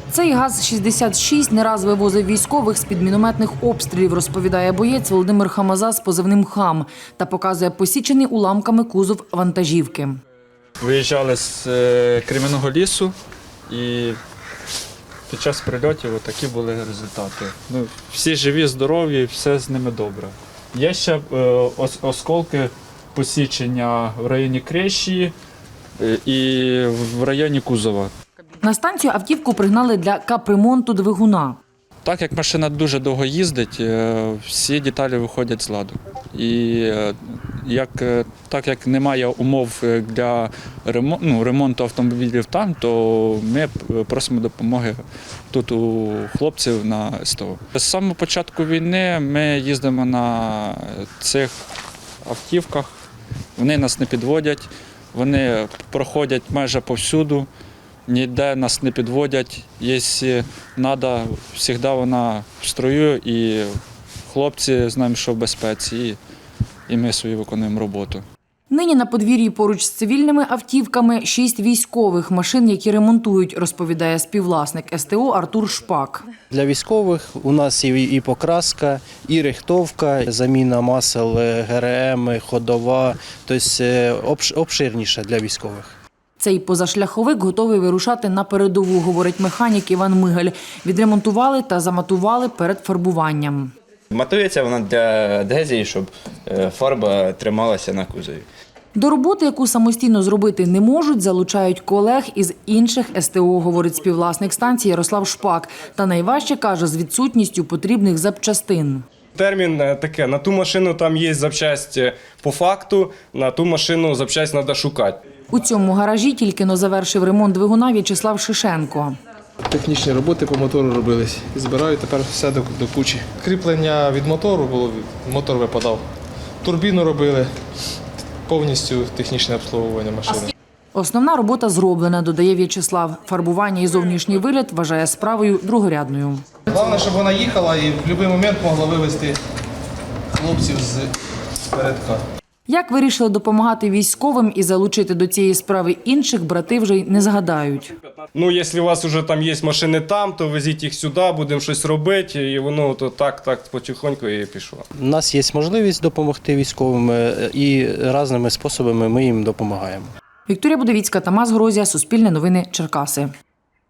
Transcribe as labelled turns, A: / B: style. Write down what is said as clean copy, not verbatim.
A: Цей ГАЗ-66 не раз вивозив військових з-під мінометних обстрілів, розповідає боєць Володимир Хамаза з позивним «Хам» та показує посічений уламками кузов вантажівки.
B: Виїжджали з Кремінного лісу і під час прильотів такі були результати. Всі живі, здорові, все з ними добре. Є ще осколки посічення в районі Крещії і в районі кузова.
A: На станцію автівку пригнали для капремонту двигуна.
B: Так як машина дуже довго їздить, всі деталі виходять з ладу. І так як немає умов для ремонту автомобілів там, то ми просимо допомоги тут у хлопців на СТО. З самого початку війни ми їздимо на цих автівках, вони нас не підводять, вони проходять майже повсюду. Ніде нас не підводять, якщо треба, завжди вона в строю, і хлопці знаємо, що в безпеці, і ми свою виконуємо роботу.
A: Нині на подвір'ї поруч з цивільними автівками 6 військових машин, які ремонтують, розповідає співвласник СТО Артур Шпак.
C: Для військових у нас і покраска, і рихтовка, заміна масел, ГРМ, ходова, тобто обширніше для військових.
A: Цей позашляховик готовий вирушати на передову, говорить механік Іван Мигаль. Відремонтували та заматували перед фарбуванням.
D: Матується вона для адгезії, щоб фарба трималася на кузові.
A: До роботи, яку самостійно зробити не можуть, залучають колег із інших СТО, говорить співвласник станції Ярослав Шпак. Та найважче, каже, з відсутністю потрібних запчастин.
E: Термін таке, на ту машину там є запчасть по факту, на ту машину запчасть треба шукати.
A: У цьому гаражі тільки-но завершив ремонт двигуна В'ячеслав Шишенко.
F: Технічні роботи по мотору робились. І збираю тепер все до кучі. Кріплення від мотору було, мотор випадав. Турбіну робили, повністю технічне обслуговування машини.
A: Основна робота зроблена, додає В'ячеслав. Фарбування і зовнішній вигляд вважає справою другорядною.
F: Головне, щоб вона їхала і в будь-який момент могла вивезти хлопців з передка.
A: Як вирішили допомагати військовим і залучити до цієї справи інших, брати вже й не згадають.
E: Якщо у вас вже там є машини там, то везіть їх сюди, будемо щось робити, і воно то так потихоньку і пішло.
C: У нас є можливість допомогти військовим і різними способами ми їм допомагаємо.
A: Вікторія Будовіцька, Тамас Грозія, Суспільне новини, Черкаси.